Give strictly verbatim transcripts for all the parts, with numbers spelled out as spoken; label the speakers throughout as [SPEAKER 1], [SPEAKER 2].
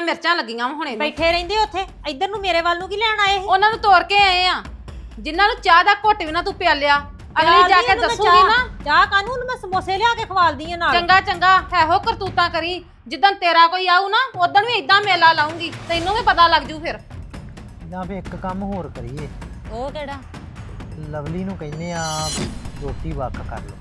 [SPEAKER 1] ਮਿਰਚਾਂ ਲੱਗੀਆਂ ਹੁਣੇ
[SPEAKER 2] ਬੈਠੇ ਰਹਿੰਦੇ ਉੱਥੇ, ਇੱਧਰ ਨੂੰ ਮੇਰੇ ਵੱਲ ਨੂੰ ਕੀ ਲੈਣ ਆਏ ਸੀ?
[SPEAKER 1] ਉਹਨਾਂ ਨੂੰ ਤੋੜ ਕੇ ਆਏ ਆ ਜਿਨ੍ਹਾਂ ਨੂੰ ਚਾਹ ਦਾ ਘੁੱਟ ਵੀ ਨਾ ਤੂੰ ਪਿਆਲਿਆ। ਅਗਲੀ ਜਾ ਕੇ ਦੱਸੂਗੀ ਨਾ
[SPEAKER 2] ਚਾਹ ਕਾਨੂੰ ਮੈਂ ਸਮੋਸੇ ਲਿਆ ਕੇ ਖਵਾਲਦੀ ਆ ਨਾਲ।
[SPEAKER 1] ਚੰਗਾ ਚੰਗਾ ਇਹੋ ਕਰਤੂਤਾਂ ਕਰੀ, ਜਿੱਦਣ ਤੇਰਾ ਕੋਈ ਆਊ ਨਾ ਉਦੋਂ ਵੀ ਇਦਾਂ ਮੇਲਾ ਲਾਉਂਗੀ, ਤੈਨੂੰ ਵੀ ਪਤਾ ਲੱਗ ਜੂ ਫਿਰ।
[SPEAKER 3] ਜਾਂ ਵੀ ਇੱਕ ਕੰਮ ਹੋਰ ਕਰੀਏ।
[SPEAKER 2] ਉਹ ਕਿਹੜਾ?
[SPEAKER 3] ਲਵਲੀ ਨੂੰ ਕਹਿੰਦੇ ਆ ਰੋਟੀ ਵੱਖ ਕਰ ਲਓ।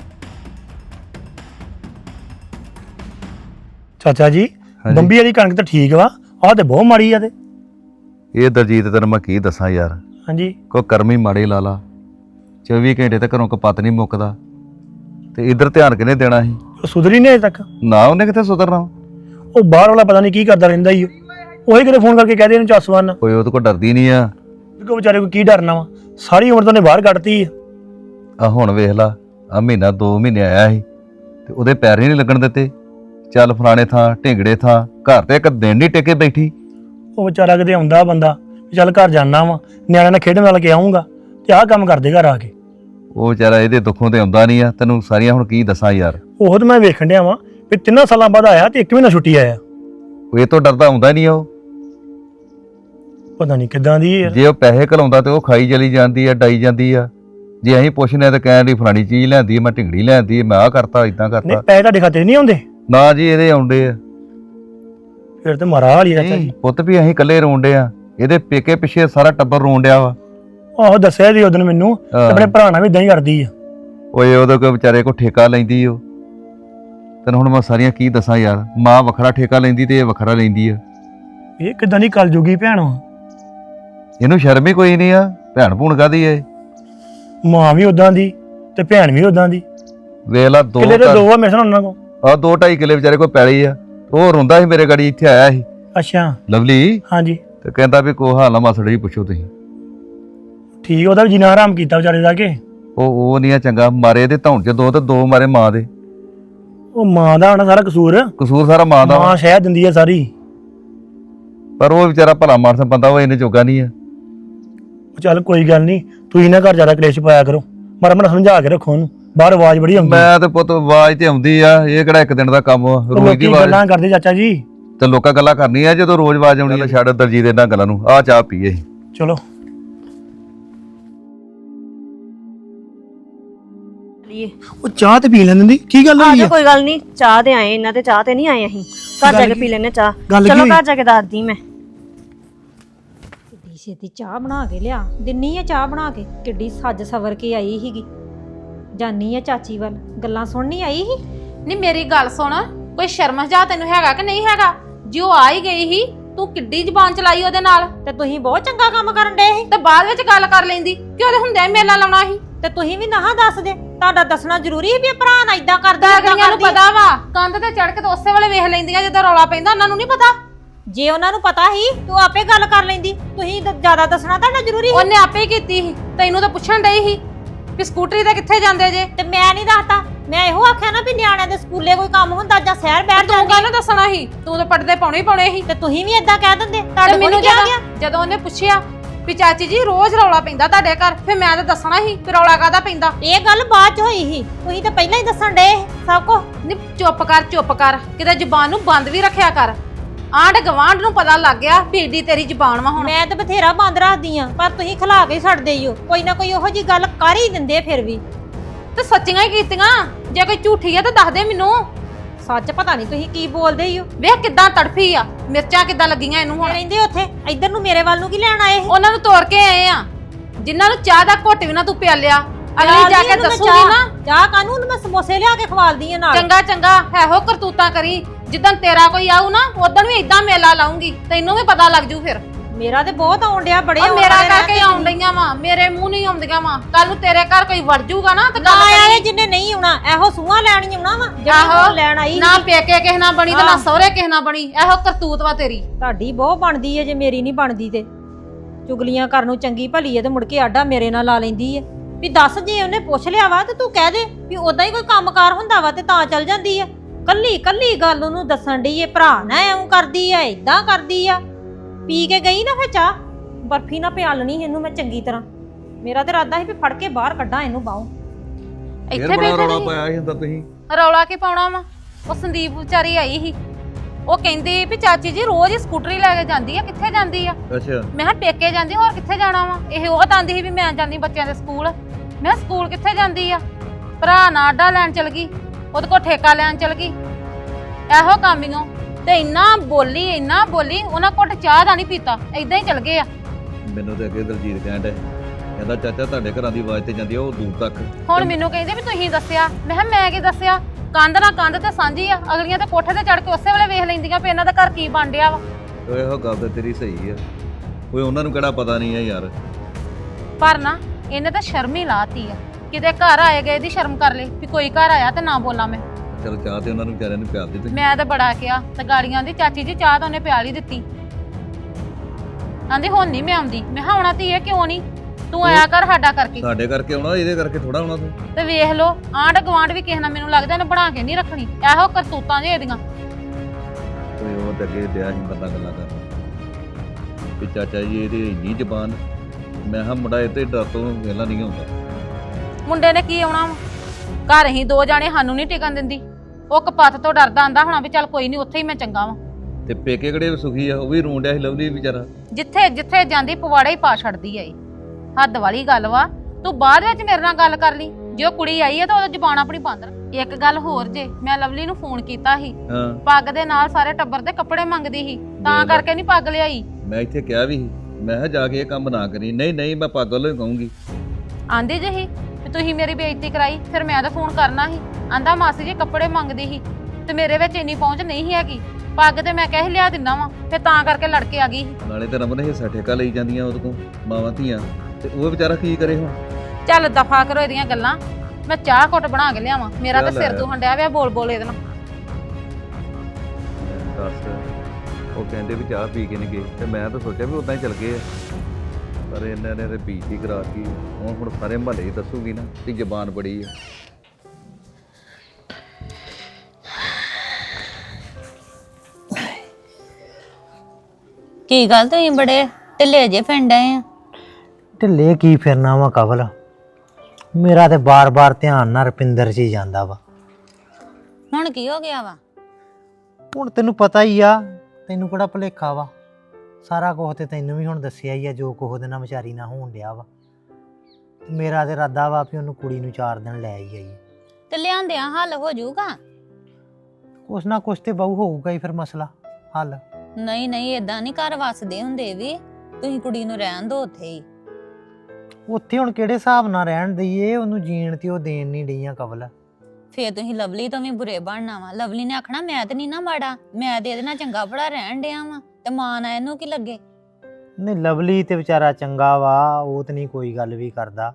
[SPEAKER 4] ਚਾਚਾ ਜੀ ਬੰਬੀ ਵਾਲੀ ਕਣਕ ਤਾਂ ਠੀਕ ਵਾ, ਆਹ ਤੇ ਬਹੁਤ ਮਾੜੀ ਆ। ਤੇ
[SPEAKER 5] ਇਹ ਦਲਜੀਤ ਤੈਨੂੰ ਮੈਂ ਕੀ ਦੱਸਾਂ ਯਾਰ,
[SPEAKER 4] ਹਾਂਜੀ
[SPEAKER 5] ਕੋਈ ਕਰਮੀ ਮਾੜੇ ਲਾ ਲਾ, ਚੌਵੀ ਘੰਟੇ ਤੇ ਘਰੋਂ ਕਪੱਤ ਨਹੀਂ ਮੁੱਕਦਾ, ਤੇ ਇੱਧਰ ਧਿਆਨ ਕਿਹਨੇ ਦੇਣਾ ਸੀ?
[SPEAKER 4] ਉਹ ਸੁਧਰੀ ਨਹੀਂ ਅਜੇ ਤੱਕ।
[SPEAKER 5] ਨਾ ਉਹਨੇ ਕਿੱਥੇ ਸੁਧਰਨਾ।
[SPEAKER 4] ਉਹ ਬਾਹਰ ਵਾਲਾ ਪਤਾ ਨਹੀਂ ਕੀ ਕਰਦਾ ਰਹਿੰਦਾ ਹੀ, ਉਹੀ ਕਿਤੇ ਫੋਨ ਕਰਕੇ ਕਹਦੇ ਇਹਨੂੰ ਚਸਵਾਨ
[SPEAKER 5] ਕੋਈ ਉਹਦੇ ਕੋਲ ਡਰਦੀ ਨਹੀਂ ਆ।
[SPEAKER 4] ਕਿਉਂਕਿ ਵਿਚਾਰੇ ਕੋ ਕੀ ਡਰਨਾ ਵਾ, ਸਾਰੀ ਉਮਰ ਤਾਂ ਉਹਨੇ ਬਾਹਰ ਕੱਢਤੀ ਆ।
[SPEAKER 5] ਆ ਹੁਣ ਵੇਖ ਲਾ, ਆ ਮਹੀਨਾ ਦੋ ਮਹੀਨੇ ਆਇਆ ਸੀ ਤੇ ਉਹਦੇ ਪੈਰ ਹੀ ਨਹੀਂ ਲੱਗਣ ਦਿੱਤੇ। ਚੱਲ ਫਲਾਣੇ ਥਾਂ ਢਿੰਗੜੇ ਥਾਂ, ਘਰ ਤੇ ਇੱਕ ਦਿਨ ਨਹੀਂ ਟਿਕੇ ਬੈਠੀ।
[SPEAKER 4] ਉਹ ਵਿਚਾਰਾ ਕਿਤੇ ਆਉਂਦਾ ਬੰਦਾ ਵੀ ਚੱਲ ਘਰ ਜਾਣਾ ਵਾ, ਨਿਆਣਿਆਂ ਨਾਲ ਖੇਡਣ ਵਾਲ ਕੇ ਆਉਂਗਾ ਤੇ ਆਹ ਕੰਮ ਕਰਦੇ ਘਰ ਆ ਕੇ।
[SPEAKER 5] ਉਹ ਵਿਚਾਰਾ ਇਹਦੇ ਦੁੱਖੋਂ ਤੇ ਆਉਂਦਾ ਨਹੀਂ ਆ। ਤੈਨੂੰ ਸਾਰੀਆਂ ਹੁਣ ਕੀ ਦੱਸਾਂ ਯਾਰ।
[SPEAKER 4] ਉਹ ਤਾਂ ਮੈਂ ਵੇਖਣ ਡਿਆ ਵਾਂ ਵੀ ਤਿੰਨਾਂ ਸਾਲਾਂ ਬਾਅਦ ਆਇਆ ਤੇ ਇੱਕ ਮਹੀਨਾ ਛੁੱਟੀ ਆਇਆ।
[SPEAKER 5] ਉਹ ਇਹ ਤੋਂ ਡਰਦਾ ਆਉਂਦਾ ਨਹੀਂ ਆ। ਉਹ
[SPEAKER 4] ਪਤਾ ਨਹੀਂ ਕਿੱਦਾਂ ਦੀ ਯਾਰ।
[SPEAKER 5] ਜੇ ਉਹ ਪੈਸੇ ਘਲਾਉਂਦਾ ਤੇ ਉਹ ਖਾਈ ਚਲੀ ਜਾਂਦੀ ਆ, ਡਾਈ ਜਾਂਦੀ ਆ। ਜੇ ਅਸੀਂ ਪੁੱਛਨੇ ਤਾਂ ਕਹਿਣ ਦੀ ਫਲਾਣੀ ਚੀਜ਼ ਲੈਂਦੀ, ਮੈਂ ਢਿੰਗੜੀ ਲੈਂਦੀ, ਮੈਂ ਆਹ ਕਰਤਾ ਇਦਾਂ
[SPEAKER 4] ਨਹੀਂ
[SPEAKER 5] ਕਰਤਾ।
[SPEAKER 4] ਪੈਸੇ ਤੁਹਾਡੇ ਖਾਤੇ ਨਹੀਂ ਆਉਂਦੇ?
[SPEAKER 5] ਨਾ ਜੀ ਇਹਦੇ ਆਉਂਦੇ ਆ।
[SPEAKER 4] ਫਿਰ ਤੇ ਮਾਰਾ ਹਾਲੀ ਚਾਚਾ ਜੀ।
[SPEAKER 5] ਪੁੱਤ ਵੀ ਅਸੀਂ ਇਕੱਲੇ ਰੋਂਡੇ ਆ, ਇਹਦੇ ਪੇਕੇ ਪਿੱਛੇ ਸਾਰਾ ਟੱਬਰ ਰੋਣ ਡਿਆ ਵਾ।
[SPEAKER 4] ਆਹੋ ਦੱਸਿਆ ਜੀ ਉਦੋਂ ਮੈਨੂੰ, ਆਪਣੇ ਭਰਾ ਨਾਲ ਵੀ ਇਦਾਂ ਹੀ ਕਰਦੀ ਆ।
[SPEAKER 5] ਓਏ ਉਹਦੇ ਕੋ ਵਿਚਾਰੇ ਕੋ ਠੇਕਾ ਲੈਂਦੀ ਉਹ। ਤੈਨੂੰ ਹੁਣ ਮੈਂ ਸਾਰੀਆਂ ਕੀ ਦੱਸਾਂ ਯਾਰ। ਮਾਂ ਵੱਖਰਾ ਠੇਕਾ ਲੈਂਦੀ ਤੇ ਇਹ ਵੱਖਰਾ ਲੈਂਦੀ ਆ।
[SPEAKER 4] ਇਹ ਕਿਦਾਂ ਦੀ ਕਲਯੁਗੀ ਭੈਣ ਵਾ।
[SPEAKER 5] ਇਹਨੂੰ ਸ਼ਰਮ ਹੀ ਕੋਈ ਨਹੀਂ ਆ। ਭੈਣ ਭੂਣ ਕਾਦੀ ਏ?
[SPEAKER 4] ਮਾਂ ਵੀ ਉਦਾਂ ਦੀ ਤੇ ਭੈਣ ਵੀ ਉਦਾਂ ਦੀ।
[SPEAKER 5] ਵੇਖ ਲਾ ਦੋ
[SPEAKER 4] ਕਿਲੇ ਤੇ ਦੋ ਆ ਮੇਰੇ ਨਾਲ ਉਹਨਾਂ ਕੋ।
[SPEAKER 5] ਆ ਦੋ ਢਾਈ ਕਿਲੇ ਵਿਚਾਰੇ ਕੋ ਪੈਲੀ ਆ। ਉਹ ਰੋਂਦਾ ਸੀ ਮੇਰੇ ਗਾੜੀ, ਇੱਥੇ ਆਇਆ ਸੀ
[SPEAKER 4] ਅੱਛਾ
[SPEAKER 5] ਲਵਲੀ,
[SPEAKER 4] ਹਾਂਜੀ।
[SPEAKER 5] ਤੇ ਕਹਿੰਦਾ ਵੀ ਕੋ ਹਾਲ ਆ ਮਾਸੜ ਜੀ ਪੁੱਛੋ ਤੁਸੀਂ।
[SPEAKER 4] ਠੀਕ, ਉਹਦਾ ਵੀ ਜੀਣਾ ਹਰਾਮ ਕੀਤਾ ਵਿਚਾਰੇ ਦਾ ਕੇ।
[SPEAKER 5] ਉਹ ਉਹ ਨਹੀਂ ਆ ਚੰਗਾ, ਮਾਰੇ ਇਹਦੇ ਧੌਣ ਚ ਦੋ ਤੇ ਦੋ ਮਾਰੇ ਮਾਂ ਦੇ।
[SPEAKER 4] ਉਹ ਮਾਂ ਦਾ ਹੋਣਾ ਸਾਰਾ ਕਸੂਰ,
[SPEAKER 5] ਕਸੂਰ ਸਾਰਾ ਮਾਂ ਦਾ ਵਾ।
[SPEAKER 4] ਮਾਂ ਸ਼ਹਿ ਦਿੰਦੀ ਆ ਸਾਰੀ।
[SPEAKER 5] ਪਰ ਉਹ ਵਿਚਾਰਾ ਭਲਾ ਮਾਨਸ ਬੰਦਾ, ਉਹ ਇਹਨੇ ਜੋਗਾ ਨਹੀਂ ਆ।
[SPEAKER 4] ਚੱਲ ਕੋਈ ਗੱਲ ਨਹੀਂ, ਤੁਸੀਂ ਨਾ ਘਰ ਜ਼ਿਆਦਾ ਕਲੇਸ਼ ਪਾਇਆ ਕਰੋ, ਮਾੜਾ ਮਾੜਾ ਸਮਝਾ ਕੇ ਰੱਖੋ ਉਹਨੂੰ। ਬਾਹਰ ਆਵਾਜ਼ ਬੜੀ ਆਉਂਦੀ।
[SPEAKER 5] ਮੈਂ ਤੇ ਪੁੱਤ ਆਵਾਜ਼ ਤੇ ਆਉਂਦੀ ਆ, ਇਹ ਕਿਹੜਾ ਇੱਕ ਦਿਨ ਦਾ ਕੰਮ ਆ, ਰੋਜ਼ ਦੀ
[SPEAKER 4] ਲੋਕੀ
[SPEAKER 5] ਆਵਾਜ਼।
[SPEAKER 4] ਗੱਲਾਂ ਕਰਦੇ ਚਾਚਾ ਜੀ।
[SPEAKER 5] ਤੇ ਲੋਕਾਂ ਗੱਲਾਂ ਕਰਨੀਆਂ ਜਦੋਂ ਰੋਜ਼ ਆਵਾਜ਼ ਆਉਣੀ ਆ। ਛੱਡ ਦਲਜੀਤ ਇਹਨਾਂ ਗੱਲਾਂ ਨੂੰ, ਆ ਚਾਹ ਪੀਏ।
[SPEAKER 4] ਚਲੋ ਉਹ ਚਾਹ ਤੇ ਪੀ ਲੈਂਦੀ। ਕੀ ਗੱਲ ਹੋਈ ਆ?
[SPEAKER 6] ਕੋਈ ਗੱਲ ਨਹੀਂ, ਚਾਹ ਤੇ ਆਏ ਇਹਨਾਂ ਤੇ, ਚਾਹ ਤੇ ਨਹੀਂ ਆਏ ਅਸੀਂ। ਘਰ ਜਾ ਕੇ ਪੀ ਲੈਣੇ ਚਾਹ। ਚਲੋ ਘਰ ਜਾ ਕੇ ਦੱਸਦੀ ਮੈਂ।
[SPEAKER 2] ਕਿੱਡੀ ਛੇਤੀ ਚਾਹ ਬਣਾ ਕੇ ਲਿਆ ਦਿੰਨੀ ਆ, ਚਾਹ ਬਣਾ ਕੇ। ਕਿੱਡੀ ਸੱਜ ਸਵਰ ਕੇ ਆਈ ਸੀਗੀ। ਜਾਨੀ ਆ ਚਾਚੀ ਵੱਲ, ਗੱਲਾਂ ਸੁਣਨੀ ਆਈ ਸੀ।
[SPEAKER 1] ਨਹੀਂ ਮੇਰੀ ਗੱਲ ਸੁਣ, ਕੋਈ ਸ਼ਰਮ ਜਾ ਤੈਨੂੰ ਹੈਗਾ ਕਿ ਨਹੀਂ ਹੈਗਾ? ਜੇ ਉਹ ਆ ਹੀ ਗਈ ਸੀ, ਤੂੰ ਕਿੱਡੀ ਜ਼ਬਾਨ ਚਲਾਈ ਉਹਦੇ ਨਾਲ।
[SPEAKER 2] ਤੇ ਤੁਸੀਂ ਬਹੁਤ ਚੰਗਾ ਕੰਮ ਕਰਨ ਡਏ ਸੀ।
[SPEAKER 1] ਤੇ ਬਾਅਦ ਵਿੱਚ ਗੱਲ ਕਰ ਲੈਂਦੀ ਕਿ ਉਹਦੇ ਹੁੰਦਿਆਂ ਮੇਲਾ ਲਾਉਣਾ ਸੀ।
[SPEAKER 2] ਤੇ ਤੁਸੀਂ ਵੀ ਨਾ ਦੱਸ ਦੇ, ਤੁਹਾਡਾ ਦੱਸਣਾ ਜ਼ਰੂਰੀ ਸੀ ਵੀ ਭਰਾ ਨਾਲ ਇਦਾਂ ਕਰਦਾ।
[SPEAKER 1] ਅਗਲੀਆਂ ਨੂੰ ਪਤਾ ਵਾ, ਕੰਧ ਤੇ ਚੜ ਕੇ ਤਾਂ ਉਸੇ ਵੇਲੇ ਵੇਖ ਲੈਂਦੀਆਂ ਜਦੋਂ ਰੌਲਾ ਪੈਂਦਾ। ਉਹਨਾਂ ਨੂੰ ਨਹੀਂ ਪਤਾ।
[SPEAKER 2] ਜੇ ਉਹਨਾਂ ਨੂੰ ਪਤਾ ਸੀ ਤੂੰ ਆਪੇ ਗੱਲ ਕਰ ਲੈਂਦੀ। ਤੁਸੀਂ ਜ਼ਿਆਦਾ ਦੱਸਣਾ ਤੁਹਾਡਾ ਜ਼ਰੂਰੀ ਸੀ।
[SPEAKER 1] ਉਹਨੇ ਆਪੇ ਕੀਤੀ ਸੀ, ਤੈਨੂੰ ਤਾਂ ਪੁੱਛਣ ਡਈ ਸੀ ਵੀ ਸਕੂਟਰੀ ਤੇ ਕਿੱਥੇ ਜਾਂਦੇ ਜੇ।
[SPEAKER 2] ਤੇ ਮੈਂ ਨਹੀਂ ਦੱਸਦਾ। ਮੈਂ ਇਹੋ ਆਖਿਆ ਨਾ ਵੀ ਨਿਆਣਿਆਂ ਦੇ ਸਕੂਲੇ ਕੋਈ ਕੰਮ ਹੁੰਦਾ ਜਾਂ ਸ਼ਹਿਰ ਬੈਠ
[SPEAKER 1] ਤੂੰ ਕਾਹਨੂੰ ਦੱਸਣਾ ਸੀ? ਤੂੰ ਤਾਂ ਪੜਦੇ ਪਾਉਣੇ ਹੀ ਪਾਉਣੇ ਸੀ।
[SPEAKER 2] ਤੇ ਤੁਸੀਂ ਵੀ ਏਦਾਂ ਕਹਿ ਦਿੰਦੇ। ਤੁਹਾਡੇ
[SPEAKER 1] ਮੈਨੂੰ
[SPEAKER 2] ਕੋਲ ਕਿਹਾ ਗਿਆ
[SPEAKER 1] ਜਦੋਂ ਉਹਨੇ ਪੁੱਛਿਆ ਵੀ ਚਾਚੀ ਜੀ ਰੋਜ਼ ਰੌਲਾ ਪੈਂਦਾ ਤੁਹਾਡੇ ਘਰ, ਫਿਰ ਮੈਂ ਤਾਂ ਦੱਸਣਾ ਸੀ ਵੀ ਰੌਲਾ ਕਾਹਦਾ ਪੈਂਦਾ।
[SPEAKER 2] ਇਹ ਗੱਲ ਬਾਅਦ ਚ ਹੋਈ ਸੀ, ਤੁਸੀਂ ਤਾਂ ਪਹਿਲਾਂ ਹੀ ਦੱਸਣ ਡਏ ਸਭ ਕੁਝ।
[SPEAKER 1] ਨਹੀਂ ਚੁੱਪ ਕਰ ਚੁੱਪ ਕਰ, ਕਿਤੇ ਜ਼ੁਬਾਨ ਨੂੰ ਬੰਦ ਵੀ ਰੱਖਿਆ ਕਰ। ਆਂਢ ਗਵਾਂਢ ਨੂੰ ਪਤਾ ਲੱਗ ਗਿਆ ਵੀ ਏਡੀ ਤੇਰੀ ਜ਼ੁਬਾਨ ਵਾ ਹੁਣ।
[SPEAKER 2] ਮੈਂ ਤਾਂ ਬਥੇਰਾ ਬੰਦ ਰੱਖਦੀ ਆ, ਪਰ ਤੁਸੀਂ ਖਿਲਾ ਕੇ ਛੱਡਦੇ ਹੀ ਹੋ। ਕੋਈ ਨਾ ਕੋਈ ਉਹੋ ਜੀ ਗੱਲ ਕਰ ਹੀ ਦਿੰਦੇ ਫਿਰ ਵੀ।
[SPEAKER 1] ਤੇ ਸੱਚੀਆਂ ਹੀ ਕੀਤੀਆਂ। ਜੇ ਕੋਈ ਝੂਠੀ ਆ ਤਾਂ ਦੱਸ ਦੇ ਮੈਨੂੰ।
[SPEAKER 2] ਸੱਚ ਪਤਾ ਨਹੀਂ ਤੁਸੀਂ ਕੀ ਬੋਲਦੇ ਹੀ ਹੋ।
[SPEAKER 1] ਵੇਖ ਕਿੱਦਾਂ ਤੜਫੀ ਆ, ਮਿਰਚਾਂ ਕਿੱਦਾਂ ਲੱਗੀਆਂ ਇਹਨੂੰ ਹੁਣ।
[SPEAKER 2] ਰਹਿੰਦੇ ਉੱਥੇ, ਇੱਧਰ ਨੂੰ ਮੇਰੇ ਵੱਲ ਨੂੰ ਕੀ ਲੈਣ ਆਏ ਸੀ?
[SPEAKER 1] ਉਹਨਾਂ ਨੂੰ ਤੋੜ ਕੇ ਆਏ ਆ ਜਿਨ੍ਹਾਂ ਨੂੰ ਚਾਹ ਦਾ ਘੁੱਟ ਵੀ ਨਾ ਤੂੰ ਪਿਆਲਿਆ। ਅਗਲੀ ਜਾ ਕੇ ਦੱਸੂਗੀ ਨਾ।
[SPEAKER 2] ਚਾਹ ਕਾਨੂੰ ਮੈਂ ਸਮੋਸੇ ਲਿਆ ਕੇ ਖਵਾਲਦੀ ਆ ਨਾਲ।
[SPEAKER 1] ਚੰਗਾ ਚੰਗਾ ਇਹੋ ਕਰਤੂਤਾਂ ਕਰੀ, ਜਿੱਦਣ ਤੇਰਾ ਕੋਈ ਆਊ ਨਾ ਉਦੋਂ ਵੀ ਇਦਾਂ ਮੇਲਾ ਲਾਉਂਗੀ, ਤੈਨੂੰ ਵੀ ਪਤਾ ਲੱਗ ਜੂ ਫਿਰ।
[SPEAKER 2] ਮੇਰਾ ਤੇ ਬਹੁਤ ਆਉਣ ਡਿਆ, ਬੜੇ
[SPEAKER 1] ਉਹ ਮੇਰਾ ਕਰਕੇ ਆਉਣ ਡਈਆਂ ਵਾ, ਮੇਰੇ ਮੂੰਹ ਨਹੀਂ ਆਉਂਦੀਆਂ ਵਾ। ਕੱਲ ਨੂੰ ਤੇਰੇ ਘਰ ਕੋਈ ਵੜ ਜੂਗਾ ਨਾ ਤੇ
[SPEAKER 2] ਨਾ ਆਏ ਜਿੰਨੇ ਨਹੀਂ ਆਉਣਾ, ਇਹੋ ਸੂਹਾਂ ਲੈਣ ਹੀ ਆਉਣਾ ਵਾ
[SPEAKER 1] ਆਹੋ
[SPEAKER 2] ਲੈਣ ਆਈ।
[SPEAKER 1] ਨਾ ਪੇਕੇ ਕਿਸੇ ਨਾਲ ਬਣੀ ਤੇ ਨਾ ਸਹੁਰੇ ਕਿਸੇ ਨਾਲ ਬਣੀ। ਇਹੋ ਕਰਤੂਤ ਵਾ ਤੇਰੀ।
[SPEAKER 2] ਤੁਹਾਡੀ ਬਹੁਤ ਬਣਦੀ ਏ, ਜੇ ਮੇਰੀ ਨਹੀਂ ਬਣਦੀ ਤੇ ਚੁਗਲੀਆਂ ਕਰਨ ਨੂੰ ਚੰਗੀ ਭਲੀ ਏ ਤੇ ਮੁੜ ਕੇ ਆਡਾ ਮੇਰੇ ਨਾਲ ਲਾ ਲੈਂਦੀ ਏ। ਵੀ ਦੱਸ, ਜੇ ਉਹਨੇ ਪੁੱਛ ਲਿਆ ਵਾ ਤੇ ਤੂੰ ਕਹਿ ਦੇ ਵੀ ਉਦਾਂ ਹੀ ਕੋਈ ਕੰਮਕਾਰ ਹੁੰਦਾ ਵਾ ਤੇ ਤਾਂ ਚੱਲ ਜਾਂਦੀ ਆ। ਕੱਲੀ ਕੱਲੀ ਗੱਲ ਉਹਨੂੰ ਦੱਸਣ ਡਈ ਏ, ਭਰਾ ਨਾ ਐਉਂ ਕਰਦੀ ਆ, ਏਦਾਂ ਕਰਦੀ ਆ। ਪੀ ਕੇ ਗਈ ਨਾ ਫਿਰ ਚਾਹ, ਬਰਫੀ ਨਾ ਪਿਆਲਣੀ ਇਹਨੂੰ ਮੈਂ ਚੰਗੀ ਤਰ੍ਹਾਂ। ਮੇਰਾ ਤੇ ਇਰਾਦਾ ਸੀ ਵੀ ਫੜ ਕੇ ਬਾਹਰ ਕੱਢਾਂ ਇਹਨੂੰ ਬਾਹੋਂ।
[SPEAKER 1] ਇੱਥੇ ਬੈਠੇ
[SPEAKER 5] ਰੌਲਾ ਪਾਇਆ ਸੀ ਹੁੰਦਾ ਤੁਸੀਂ।
[SPEAKER 1] ਰੌਲਾ ਕੀ ਪਾਉਣਾ ਵਾ? ਉਹ ਸੰਦੀਪ ਵਿਚਾਰੀ ਆਈ ਸੀ ਉਹ ਕਹਿੰਦੀ ਵੀ ਚਾਚੀ ਜੀ ਰੋਜ਼ ਹੀ ਸਕੂਟਰੀ ਲੈ ਕੇ ਜਾਂਦੀ ਆ, ਕਿੱਥੇ ਜਾਂਦੀ ਆ?
[SPEAKER 5] ਅੱਛਾ
[SPEAKER 1] ਮੈਂ ਕਿਹਾ ਪੇਕੇ ਜਾਂਦੀ, ਹੋਰ ਕਿੱਥੇ ਜਾਣਾ ਵਾ? ਇਹ ਉਹ ਤਾਂਦੀ ਸੀ ਵੀ ਮੈਂ ਜਾਂਦੀ ਬੱਚਿਆਂ ਦੇ ਸਕੂਲ। ਮੈਂ ਕਿਹਾ ਸਕੂਲ ਕਿੱਥੇ ਜਾਂਦੀ ਆ? ਭਰਾ ਨਾਲ ਆਡਾ ਲੈਣ ਚਲ ਗਈ, ਉਹਦੇ ਕੋਲ ਠੇਕਾ ਲੈਣ ਚਲ ਗਈ, ਇਹੋ ਕਾਮੀਓ। ਤੇ ਇੰਨਾ ਬੋਲੀ ਇੰਨਾ ਬੋਲੀ, ਉਹਨਾਂ ਕੋਲ ਚਾਹ ਦਾ ਨਹੀਂ ਪੀਤਾ, ਏਦਾਂ ਹੀ ਚਲ ਗਏ ਆ।
[SPEAKER 5] ਮੈਨੂੰ ਤੇ ਅੱਗੇ ਦਲਜੀਤ ਕਹਿਣ ਡਿਆ ਕਹਿੰਦਾ ਚਾਚਾ ਤੁਹਾਡੇ ਘਰਾਂ ਦੀ ਆਵਾਜ਼ ਤੇ ਜਾਂਦੀ ਆ ਉਹ ਦੂਰ ਤੱਕ।
[SPEAKER 1] ਹੁਣ ਮੈਨੂੰ ਕਹਿੰਦੇ ਵੀ ਤੁਸੀਂ ਦੱਸਿਆ। ਮੈਂ ਕਿਹਾ ਮੈਂ ਕੀ ਦੱਸਿਆ? ਕੰਧ ਨਾਲ ਕੰਧ ਤੇ ਸਾਂਝੀ ਆ, ਅਗਲੀਆਂ ਤੇ ਕੋਠੇ ਤੇ ਚੜ ਕੇ ਉਸੇ ਵੇਲੇ ਵੇਖ ਲੈਂਦੀਆਂ ਵੀ ਇਹਨਾਂ ਦਾ ਘਰ ਕੀ ਬਣ ਡਿਆ ਵਾ।
[SPEAKER 5] ਉਹ ਇਹੋ ਗੱਲ ਤੇ ਤੇਰੀ ਸਹੀ ਆ, ਕੋਈ ਉਹਨਾਂ ਨੂੰ ਕਿਹੜਾ ਪਤਾ ਨਹੀਂ ਆ ਯਾਰ।
[SPEAKER 1] ਪਰ ਨਾ ਇਹਨੇ ਤਾਂ ਸ਼ਰਮ ਹੀ ਲਾਤੀ ਆ, ਕਿਤੇ ਘਰ ਆਏ ਗਏ ਦੀ ਸ਼ਰਮ ਕਰ ਲੈ ਵੀ ਕੋਈ ਘਰ ਆਇਆ ਤੇ ਨਾ ਬੋਲਾਂ ਮੈਂ।
[SPEAKER 5] ਚਲ ਚਾਹ ਤੇ ਉਹਨਾਂ ਨੂੰ ਵਿਚਾਰਿਆਂ ਨੂੰ ਪਿਆਰ ਦਿੱਤੀ।
[SPEAKER 1] ਮੈਂ ਤਾਂ ਬੜਾ ਕਿਹਾ ਤੇ ਗਾੜੀਆਂ ਦੀ ਚਾਚੀ ਜੀ ਚਾਹ ਤਾਂ ਉਹਨੇ ਪਿਆਲ ਹੀ ਦਿੱਤੀ। ਆਂਦੀ ਹੁਣ ਨਹੀਂ ਮੈਂ ਆਉਂਦੀ। ਮੈਂ ਕਿਹਾ ਆਉਣਾ ਧੀਏ ਕਿਉਂ ਨਹੀਂ, ਤੂੰ ਆਇਆ ਕਰ ਸਾਡਾ ਕਰਕੇ।
[SPEAKER 5] ਸਾਡੇ ਕਰਕੇ ਆਉਣਾ, ਇਹਦੇ ਕਰਕੇ ਥੋੜਾ ਆਉਣਾ ਤੂੰ।
[SPEAKER 1] ਤੇ ਵੇਖ ਲੋ ਆਂਢ ਗਵਾਂਢ ਵੀ ਕਿਸੇ ਨਾਲ ਮੈਨੂੰ ਲੱਗਦਾ ਇਹਨੇ ਬਣਾ ਕੇ ਨਹੀਂ ਰੱਖਣੀ, ਇਹੋ ਕਰਤੂਤਾਂ ਜੇ ਇਹਦੀਆਂ।
[SPEAKER 5] ਕੋਈ ਉਹ ਤੇ ਅੱਗੇ ਦਿਆ ਸੀ ਬੰਦਾ ਗੱਲਾਂ ਕਰਨਾ ਵੀ ਚਾਚਾ ਜੀ ਇਹਦੀ ਇੰਨੀ ਜ਼ਬਾਨ। ਮੈਂ ਕਿਹਾ ਮੁੰਡਾ ਇਹ ਤੇ ਡਰ ਤੋਂ ਵੇਲਾ ਨਹੀਂ ਹੁੰਦਾ।
[SPEAKER 1] ਮੁੰਡੇ ਨੇ ਕੀ ਆਉਣਾ ਵਾ? ਘਰ ਹੀ ਦੋ ਜਾਣੇ ਸਾਨੂੰ ਨਹੀਂ ਟਿਕਣ ਦਿੰਦੀ। ਉਹ ਕਪੱਤ ਤੋਂ ਡਰਦਾ ਆਂਦਾ ਹੋਣਾ ਵੀ ਚੱਲ ਕੋਈ ਨਹੀਂ ਉੱਥੇ ਹੀ ਮੈਂ ਚੰਗਾ ਵਾਂ।
[SPEAKER 5] ਤੇ ਪੇਕੇ ਕਿਹੜੇ ਸੁਖੀ ਆ, ਉਹ ਵੀ ਰੋਣ ਡਿਆ ਸੀ ਲਵਲੀ ਵਿਚਾਰਾ।
[SPEAKER 1] ਜਿੱਥੇ ਜਿੱਥੇ ਜਾਂਦੀ ਪਵਾੜਾ ਹੀ ਪਾ ਛੱਡਦੀ ਆ ਇਹ। ਹੱਦ ਵਾਲੀ ਗੱਲ ਵਾ। ਤੂੰ ਬਾਅਦ ਵਿੱਚ ਮੇਰੇ ਨਾਲ ਗੱਲ ਕਰ ਲਈ, ਜੇ ਉਹ ਕੁੜੀ ਆਈ ਹੈ ਤਾਂ ਉਹਦਾ ਜ਼ੁਬਾਨ ਆਪਣੀ ਬੰਦ ਰੱਖ। ਇੱਕ ਗੱਲ ਹੋਰ ਜੇ, ਮੈਂ ਲਵਲੀ ਨੂੰ ਫੋਨ ਕੀਤਾ ਸੀ,
[SPEAKER 5] ਹਾਂ
[SPEAKER 1] ਪੱਗ ਦੇ ਨਾਲ ਸਾਰੇ ਟੱਬਰ ਦੇ ਕੱਪੜੇ ਮੰਗਦੀ ਸੀ, ਤਾਂ ਕਰਕੇ ਨਹੀਂ ਪੱਗ ਲਿਆਈ।
[SPEAKER 5] ਮੈਂ ਇੱਥੇ ਕਿਹਾ ਵੀ ਸੀ, ਮੈਂ ਕਿਹਾ ਜਾ ਕੇ ਇਹ ਕੰਮ ਨਾ ਕਰੀ। ਨਹੀਂ ਨਹੀਂ ਮੈਂ ਪੱਗ ਵੱਲੋਂ ਹੀ ਕਹੂੰਗੀ।
[SPEAKER 1] ਆਂਦੀ ਜਿਹੀ ਵੀ ਤੁਸੀਂ ਮੇਰੀ ਬੇਇੱਜ਼ਤੀ ਕਰਾਈ, ਫਿਰ ਮੈਂ ਤਾਂ ਫੋਨ ਕਰਨਾ ਸੀ। ਆਂਦਾ ਮਾਸੀ ਜੀ ਕੱਪੜੇ ਮੰਗਦੀ ਸੀ ਤੇ ਮੇਰੇ ਵਿੱਚ ਇੰਨੀ ਪਹੁੰਚ ਨਹੀਂ ਸੀ ਹੈਗੀ, ਪੱਗ ਤੇ ਮੈਂ ਕਹਿ ਲਿਆ ਦਿੰਦਾ ਵਾਂ, ਫਿਰ ਤਾਂ ਕਰਕੇ ਲੜ ਕੇ ਆ ਗਈ ਸੀ।
[SPEAKER 5] ਨਾਲੇ ਤੇ ਰਮਨ ਹਿੱਸਾ ਠੇਕਾ ਲਈ ਜਾਂਦੀਆਂ ਉਹਦੇ ਕੋਲ ਮਾਵਾਂ ਧੀਆਂ, ਤੇ ਉਹ ਵਿਚਾਰਾ ਕੀ ਕਰੇ ਹੁਣ।
[SPEAKER 1] ਚੱਲ ਦਫਾ ਕਰੋ ਇਹਦੀਆਂ ਗੱਲਾਂ, ਮੈਂ ਚਾਹ ਘੁੱਟ ਬਣਾ ਕੇ ਲਿਆਵਾਂ, ਮੇਰਾ ਤਾਂ
[SPEAKER 5] ਚੱਲ
[SPEAKER 1] ਸਿਰ
[SPEAKER 5] ਆ।
[SPEAKER 1] ਦੁਖਣ ਡਿਆ ਪਿਆ ਬੋਲ ਬੋਲ ਇਹਦੇ ਨਾਲ।
[SPEAKER 5] ਦੱਸ ਉਹ ਕਹਿੰਦੇ ਵੀ ਚਾਹ ਪੀ ਕੇ ਨਹੀਂ ਗਏ, ਤੇ ਮੈਂ ਤਾਂ ਸੋਚਿਆ ਵੀ ਉਦਾਂ ਹੀ ਚਲ ਗਏ ਆ, ਪਰ ਇਹਨਾਂ ਨੇ ਤੇ ਬੀਤੀ ਕਰਾਤੀ। ਹੁਣ ਹੁਣ ਸਾਰੇ ਮਹੱਲੇ ਹੀ ਦੱਸੂਗੀ ਨਾ ਕਿ ਜ਼ਬਾਨ ਬੜੀ ਆ।
[SPEAKER 7] ਕੀ ਗੱਲ ਤੁਸੀਂ ਬੜੇ ਢਿੱਲੇ ਜੇ ਫਿੰਡ ਆਏ ਆ?
[SPEAKER 3] ਢਿੱਲੇ ਕੀ ਫਿਰਨਾ ਵਾ ਕਵਲ, ਮੇਰਾ ਤੇ ਬਾਰ-ਬਾਰ ਧਿਆਨ ਨਾ ਰਪਿੰਦਰ 'ਚ ਹੀ ਜਾਂਦਾ ਵਾ।
[SPEAKER 7] ਹੁਣ ਕੀ ਹੋ ਗਿਆ ਵਾ?
[SPEAKER 3] ਹੁਣ ਤੈਨੂੰ ਪਤਾ ਹੀ ਆ, ਤੈਨੂੰ ਕਿਹੜਾ ਭੁਲੇਖਾ ਵਾ, ਸਾਰਾ ਕੁਝ ਤੇ ਤੈਨੂੰ ਵੀ ਹੁਣ ਦੱਸਿਆ ਹੀ ਆ ਜੋ ਕੁਝ ਉਹਦੇ ਨਾਲ ਵਿਚਾਰੀ ਨਾਲ ਹੋਣ ਡਿਆ ਵਾ। ਮੇਰਾ ਤੇ ਇਰਾਦਾ ਵਾ ਵੀ ਉਹਨੂੰ ਕੁੜੀ ਨੂੰ ਚਾਰ ਦਿਨ ਲੈ ਹੀ ਆਈਏ।
[SPEAKER 7] ਤੇ ਲਿਆਂਦਿਆਂ ਹੱਲ ਹੋ ਜਾਊਗਾ?
[SPEAKER 3] ਕੁਛ ਨਾ ਕੁਛ ਤੇ ਬਹੁ ਹੋਊਗਾ ਹੀ ਫਿਰ ਮਸਲਾ ਹੱਲ।
[SPEAKER 7] ਨਹੀਂ ਨਹੀਂ ਏਦਾਂ ਨਹੀਂ ਘਰ ਵਸਦੇ ਹੁੰਦੇ ਵੀ, ਤੁਸੀਂ ਕੁੜੀ ਨੂੰ ਰਹਿਣ ਦਿਓ ਉੱਥੇ ਹੀ।
[SPEAKER 3] ਉੱਥੇ ਹੁਣ ਕਿਹੜੇ ਹਿਸਾਬ ਨਾਲ ਰਹਿਣ ਦਈਏ, ਉਹਨੂੰ ਜੀਣ ਤੇ ਉਹ ਦੇਣ ਨਹੀਂ ਡਈਆਂ ਕਵਲ।
[SPEAKER 7] ਫੇਰ ਤੁਸੀਂ ਲਵਲੀ ਤੋਂ ਵੀ ਬੁਰੇ ਬਣਨਾ ਵਾ। ਲਵਲੀ ਨੇ ਆਖਣਾ ਮੈਂ ਤੇ ਨਹੀਂ ਨਾ ਮਾੜਾ, ਮੈਂ ਤੇ ਇਹਦੇ ਨਾਲ ਚੰਗਾ ਭਲਾ ਰਹਿਣ ਡਿਆ ਵਾ, ਤੇ ਮਾਂ ਨਾਲ ਇਹਨੂੰ ਕੀ ਲੱਗੇ?
[SPEAKER 3] ਨਹੀਂ ਲਵਲੀ ਤੇ ਵਿਚਾਰਾ ਚੰਗਾ ਵਾ, ਉਹ ਤੇ ਨਹੀਂ ਕੋਈ ਗੱਲ ਵੀ ਕਰਦਾ।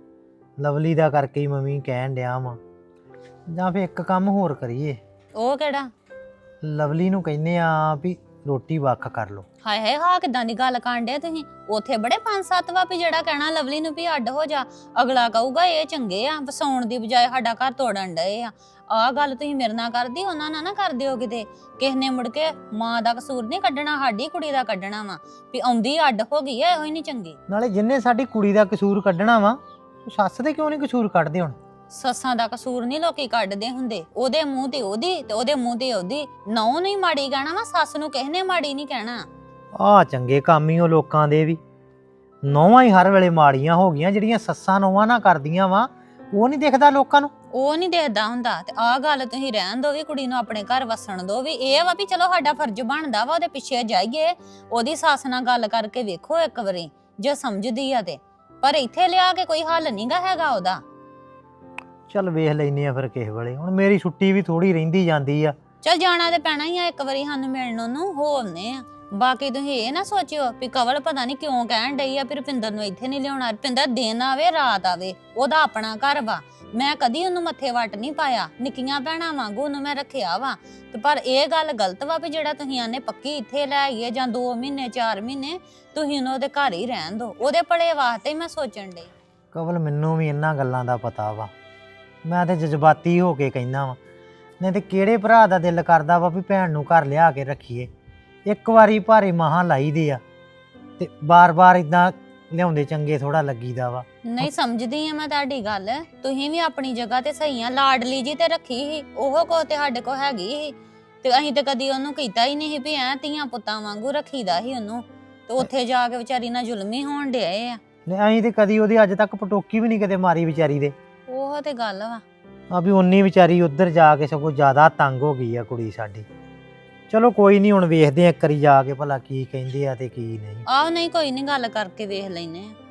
[SPEAKER 3] ਲਵਲੀ ਦਾ ਕਰਕੇ ਹੀ ਮੰਮੀ ਕਹਿਣ ਡਿਆ ਵਾ। ਜਾਂ ਫਿਰ ਇੱਕ ਕੰਮ ਹੋਰ ਕਰੀਏ,
[SPEAKER 7] ਉਹ ਕਿਹੜਾ?
[SPEAKER 3] ਲਵਲੀ ਨੂੰ ਕਹਿੰਦੇ ਆ ਵੀ ਰੋਟੀ ਵੱਖ ਕਰ ਲੋ।
[SPEAKER 7] ਹਾਏ ਹਾਏ ਹਾਂ ਕਿਦਾਂ ਦੀ ਗੱਲ ਕਾਂਡੇ ਤੁਸੀਂ? ਉੱਥੇ ਬੜੇ ਪੰਜ ਸੱਤ ਵਾ ਵੀ ਜਿਹੜਾ ਕਹਿਣਾ ਲਵਲੀ ਨੂੰ ਵੀ ਅੱਡ ਹੋ ਜਾ, ਅਗਲਾ ਕਹੂਗਾ ਇਹ ਚੰਗੇ ਆ, ਵਸਾਉਣ ਦੀ ਬਜਾਏ ਸਾਡਾ ਘਰ ਤੋੜਨ ਡਏ ਆ। ਆਹ ਗੱਲ ਤੁਸੀਂ ਮੇਰੇ ਨਾਲ ਕਰਦੀ, ਉਹਨਾਂ ਨਾਲ ਨਾ ਕਰ ਦਿਓ ਕਿਤੇ। ਕਿਸ ਨੇ ਮੁੜ ਕੇ ਮਾਂ ਦਾ ਕਸੂਰ ਨਹੀਂ ਕੱਢਣਾ, ਸਾਡੀ ਕੁੜੀ ਦਾ ਕੱਢਣਾ ਵਾ ਵੀ ਆਉਂਦੀ ਅੱਡ ਹੋ ਗਈ ਐ, ਇਹੋ ਹੀ ਨਹੀਂ ਚੰਗੀ।
[SPEAKER 3] ਨਾਲੇ ਜਿੰਨੇ ਸਾਡੀ ਕੁੜੀ ਦਾ ਕਸੂਰ ਕੱਢਣਾ ਵਾ, ਉਹ ਸੱਸ ਦੇ ਕਿਉਂ ਨਹੀਂ ਕਸੂਰ ਕੱਢਦੇ ਹੁਣ?
[SPEAKER 7] ਸੱਸਾਂ ਦਾ ਕਸੂਰ ਨਹੀਂ ਲੋਕੀ ਕੱਢਦੇ ਹੁੰਦੇ, ਉਹਦੇ ਮੂੰਹ ਤੇ ਉਹਦੀ ਤੇ ਉਹਦੇ ਮੂੰਹ ਤੇ ਉਹਦੀ। ਨੌ ਨੂੰ ਹੀ ਮਾੜੀ ਕਹਿਣਾ ਵਾ, ਸੱਸ ਨੂੰ ਕਿਸੇ ਨੇ ਮਾੜੀ ਨਹੀਂ ਕਹਿਣਾ।
[SPEAKER 3] ਆਹ ਚੰਗੇ ਕੰਮ ਹੀ ਉਹ ਲੋਕਾਂ ਦੇ ਵੀ, ਨੌਵਾਂ ਹੀ ਹਰ ਵੇਲੇ ਮਾੜੀਆਂ ਹੋ ਗਈਆਂ। ਜਿਹੜੀਆਂ ਸੱਸਾਂ ਨੌਵਾਂ ਨਾ ਕਰਦੀਆਂ ਵਾ, ਉਹ ਨਹੀਂ ਦਿਖਦਾ ਲੋਕਾਂ ਨੂੰ।
[SPEAKER 7] ਉਹ ਨਹੀਂ ਦੇਖਦਾ ਹੁੰਦਾ। ਤੇ ਆਹ ਗੱਲ ਤੁਸੀਂ ਰਹਿਣ ਦੋ ਵੀ ਕੁੜੀ ਨੂੰ ਆਪਣੇ ਘਰ ਵਸਣ ਦੋ ਵੀ। ਇਹ ਵਾ ਵੀ ਚਲੋ ਸਾਡਾ ਫਰਜ਼ ਬਣਦਾ ਵਾ ਉਹਦੇ ਪਿੱਛੇ ਜਾਈਏ, ਉਹਦੀ ਸੱਸ ਨਾਲ ਗੱਲ ਕਰਕੇ ਵੇਖੋ ਇੱਕ ਵਾਰੀ ਜੇ ਸਮਝਦੀ ਆ ਤੇ। ਪਰ ਇੱਥੇ ਲਿਆ ਕੇ ਕੋਈ ਹੱਲ ਨਹੀਂਗਾ ਹੈਗਾ ਉਹਦਾ।
[SPEAKER 3] ਚੱਲ ਵੇਖ ਲੈਨੇ ਆ ਫਿਰ ਕਿਸੇ ਵੇਲੇ। ਹੁਣ ਮੇਰੀ ਛੁੱਟੀ ਵੀ ਥੋੜੀ ਰਹਿੰਦੀ ਜਾਂਦੀ ਆ।
[SPEAKER 7] ਚੱਲ ਜਾਣਾ ਤੇ ਪੈਣਾ ਹੀ ਆ ਇੱਕ ਵਾਰੀ ਸਾਨੂੰ ਮਿਲਣ ਨੂੰ, ਹੋਣੇ ਆ। ਬਾਕੀ ਤੁਸੀਂ ਇਹ ਨਾ ਸੋਚਿਓ ਵੀ ਕਵਲ ਪਤਾ ਨਹੀਂ ਕਿਉਂ ਕਹਿਣ ਡਈ ਆ ਵੀ ਰੁਪਿੰਦਰ ਨੂੰ ਇੱਥੇ ਨਹੀਂ ਲਿਆਉਣਾ। ਰੁਪਿੰਦਰ ਦਿਨ ਆਵੇ ਰਾਤ ਆਵੇ, ਉਹਦਾ ਆਪਣਾ ਘਰ ਵਾ। ਮੈਂ ਕਦੀ ਉਹਨੂੰ ਮੱਥੇ ਵੱਟ ਨਹੀਂ ਪਾਇਆ, ਨਿੱਕੀਆਂ ਭੈਣਾਂ ਵਾਂਗੂ ਉਹਨੂੰ ਮੈਂ ਰੱਖਿਆ ਵਾ। ਤੇ ਪਰ ਇਹ ਗੱਲ ਗਲਤ ਵਾ ਵੀ ਜਿਹੜਾ ਤੁਸੀਂ ਆਨੇ ਪੱਕੀ ਇੱਥੇ ਲੈ ਆਈਏ ਜਾਂ ਦੋ ਮਹੀਨੇ ਚਾਰ ਮਹੀਨੇ ਤੁਸੀਂ ਉਹਨੂੰ ਉਹਦੇ ਘਰ ਹੀ ਰਹਿਣ ਦਿਓ। ਉਹਦੇ ਭਲੇ ਵਾਸਤੇ ਹੀ ਮੈਂ ਸੋਚਣ ਡਈ।
[SPEAKER 3] ਕਵਲ ਮੈਨੂੰ ਵੀ ਇਹਨਾਂ ਗੱਲਾਂ ਦਾ ਪਤਾ ਵਾ, ਮੈਂ ਤੇ ਜਜ਼ਬਾਤੀ ਹੋ ਕੇ ਕਹਿੰਦਾ ਵਾ। ਨਹੀਂ ਤੇ ਕਿਹੜੇ ਭਰਾ ਦਾ ਦਿਲ ਕਰਦਾ ਵਾ ਵੀ ਭੈਣ ਨੂੰ ਘਰ ਲਿਆ ਕੇ ਰੱਖੀਏ। ਇੱਕ ਵਾਰੀ ਭਾਰੇ ਮਹਾਂ ਲਾਈਦੇ ਆ ਤੇ ਬਾਰ-ਬਾਰ ਇਦਾਂ ਲਿਆਉਂਦੇ ਚੰਗੇ ਥੋੜਾ ਲੱਗੀਦਾ ਵਾ।
[SPEAKER 7] ਨਹੀਂ ਸਮਝਦੀ ਆ ਮੈਂ ਤੁਹਾਡੀ ਗੱਲ, ਤੁਸੀਂ ਵੀ ਆਪਣੀ ਜਗ੍ਹਾ ਤੇ ਸਹੀ ਆ। ਲਾਡਲੀ ਜੀ ਤੇ ਰੱਖੀ ਸੀ, ਉਹ ਕੋ ਤੇ ਸਾਡੇ ਕੋ ਹੈਗੀ ਸੀ। ਤੇ ਅਸੀਂ ਤੇ ਕਦੀ ਉਹਨੂੰ ਕੀਤਾ ਹੀ ਨਹੀਂ ਸੀ ਵੀ ਐ ਧੀਆਂ ਪੁੱਤਾਂ ਵਾਂਗੂ ਰੱਖੀਦਾ ਸੀ ਉਹਨੂੰ, ਤੇ ਉੱਥੇ ਜਾ ਕੇ ਵਿਚਾਰੀ ਨਾਲ ਜ਼ੁਲਮ ਹੀ ਹੋਣ ਡਿਆ ਆ।
[SPEAKER 3] ਨੇ ਅਸੀਂ ਤੇ ਕਦੀ ਉਹਦੀ ਅੱਜ ਤੱਕ ਪਟੋਕੀ ਵੀ ਨਹੀਂ ਕਦੇ ਮਾਰੀ ਵਿਚਾਰੀ ਦੇ।
[SPEAKER 7] ਉਹ ਤੇ ਗੱਲ ਵਾ।
[SPEAKER 3] ਆ ਵੀ ਉਨੀ ਵਿਚਾਰੀ ਉੱਧਰ ਜਾ ਕੇ ਸਗੋਂ ਜ਼ਿਆਦਾ ਤੰਗ ਹੋ ਗਈ ਆ ਕੁੜੀ ਸਾਡੀ। ਚਲੋ ਕੋਈ ਨਹੀਂ, ਹੁਣ ਵੇਖਦੇ ਆ ਇੱਕ ਵਾਰੀ ਜਾ ਕੇ ਭਲਾ ਕੀ ਕਹਿੰਦੇ ਆ ਤੇ ਕੀ ਨਹੀਂ।
[SPEAKER 7] ਆਹ ਨਹੀਂ ਕੋਈ ਨਹੀਂ, ਗੱਲ ਕਰਕੇ ਵੇਖ ਲੈਨੇ ਆ।